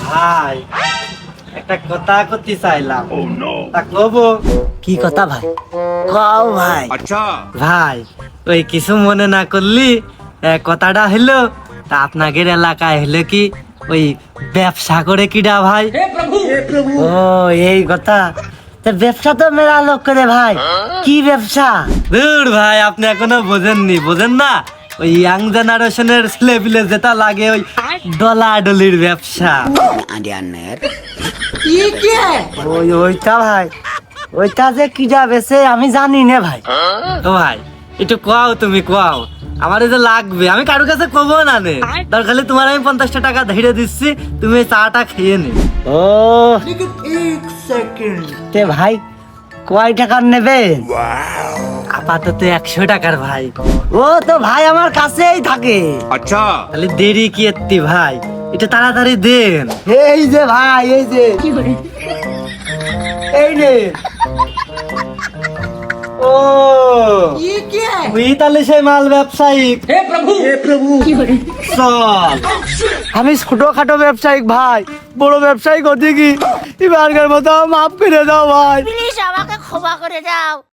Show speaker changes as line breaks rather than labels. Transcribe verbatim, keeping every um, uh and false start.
ভাই একটা কথা করতে চাইলাম, তা কব?
কি কথা ভাই? কও ভাই।
ভাই ওই কিছু মনে না করলি এ, কথাটা হলো তা আপনাদের এলাকায় হলো কি ওই ব্যবসা করে কিডা ভাই?
ও এই কথা। তা ব্যবসা তো মেলা লোক করে ভাই। কি ব্যবসা?
দূর ভাই, আপনি এখনো বোঝেননি, বোঝেন না? ওই ইয়াং জেনারেশনের ছেলে পিলে যেটা লাগে ওই ডলাডলির ব্যবসা।
ওই ওইটা ভাই, ওইটা যে কি যাবে সে আমি জানি না ভাই।
ও ভাই একটু কোয়াও, তুমি কোয়াও, আমার এই যে লাগবে, আমি কারোর কাছে কবো না নে, দরকার হলে তোমার আমি পঞ্চাশটা টাকা ধরে দিচ্ছি, তুমি এই চাটা খেয়ে নে।
ও তে ভাই কয় টাকার নেবে?
আপাতত একশো টাকার ভাই।
ও তো ভাই আমার কাছেই থাকে।
তাহলে দেরি কি এত্তি ভাই, এটা তাড়াতাড়ি দেন।
এই যে ভাই, এই যে এই নে।
ও তুই তাহলে সেই মাল ব্যবসায়ী? চল।
আমি ছোটখাটো ব্যবসায়িক ভাই, বড় ব্যবসায়িক হতে কি এবারকার মতো মাফ করে দাও ভাই।
প্লিজ আমাকে ক্ষমা করে দাও।